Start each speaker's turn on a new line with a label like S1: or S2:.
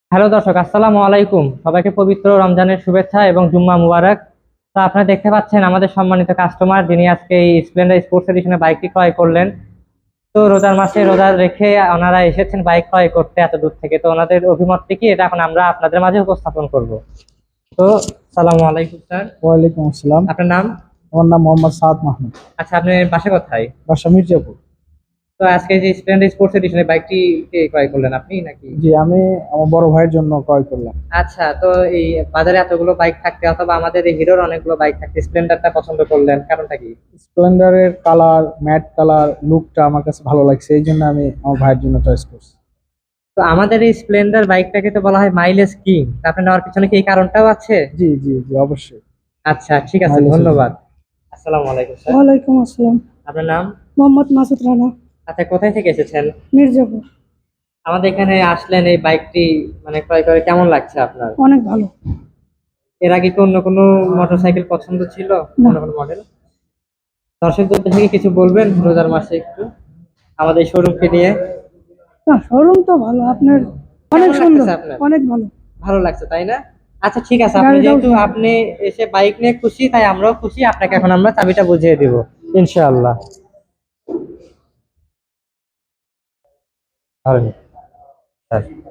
S1: Hello দর্শক, আসসালামু আলাইকুম। সবাইকে পবিত্র রমজানের শুভেচ্ছা এবং জুম্মা মুবারক। তো আপনারা দেখতে পাচ্ছেন আমাদের সম্মানিত কাস্টমার যিনি আজকে এই স্প্লেন্ডার স্পোর্টস এডিশনের বাইকটি ক্রয় করলেন। তো রোজার মাসে রোজা রেখে ওনারা এসেছেন বাইক ক্রয় করতে এত দূর থেকে। তো ওনাদের অভিমতটি কি এটা এখন আমরা আপনাদের মাঝে উপস্থাপন করব। তো সালামু আলাইকুম স্যার।
S2: ওয়ালাইকুম আসসালাম।
S1: আপনার নাম?
S2: আমার নাম মোহাম্মদ সাদ মাহমুদ।
S1: আচ্ছা, আপনার বাসা কোথায়?
S2: বাসা মির্জাপুর।
S1: তো আজকে যে স্প্লেন্ডার স্পোর্টস এডিশনের বাইকটি কে ক্রয় করলেন, আপনি নাকি?
S2: জি, আমি আমার বড় ভাইয়ের জন্য ক্রয় করলাম।
S1: আচ্ছা, তো এই বাজারে এতগুলো বাইক থাকতে অথবা আমাদের এই হিরোর অনেকগুলো বাইক থাকতে স্প্লেন্ডারটা পছন্দ করলেন, কারণটা কি?
S2: স্প্লেন্ডারের কালার, ম্যাট কালার লুকটা আমার কাছে ভালো লাগছে, এই জন্য আমি আমার ভাইয়ের জন্য চয়েস করছি।
S1: তো আমাদের এই স্প্লেন্ডার বাইকটাকে তো বলা হয় মাইলেজ কিং। আপনি নেওয়ার পিছনে কি এই কারণটাও আছে?
S2: জি জি জি, অবশ্যই।
S1: আচ্ছা, ঠিক আছে,
S2: মাইলেজ।
S1: ধন্যবাদ। আসসালামু আলাইকুম স্যার।
S3: ওয়ালাইকুম আসসালাম।
S1: আপনার নাম?
S3: মোহাম্মদ মাসুদ রানা,
S1: আচ্ছা, কোথায় থেকে এসেছেন?
S3: মির্জাপুর।
S1: আমাদের এখানে আসলেন এই বাইকটি মানে ক্রয় করে কেমন লাগছে আপনার?
S3: অনেক ভালো।
S1: এর আগে কি অন্য কোনো মোটরসাইকেল পছন্দ ছিল,
S3: না।
S1: অন্য কোনো মডেল? দর্শকদের থেকে কিছু বলবেন রোজার মাসে একটু আমাদের শোরুমকে নিয়ে?
S3: না, শোরুম তো ভালো আপনার, অনেক
S1: কেমন
S3: সুন্দর,
S1: লাগতেছে আপনার?
S3: অনেক ভালো।
S1: ভালো লাগছে তাই না? আচ্ছা, ঠিক আছে, আপনি
S3: গাড়িটাও
S1: যেহেতু
S3: সুন্দর।
S1: আপনি এসে বাইক নিয়ে খুশি তাই আমরাও খুশি। আপনাকে এখন আমরা চাবিটা বুঝিয়ে দিব ইনশাআল্লাহ। আর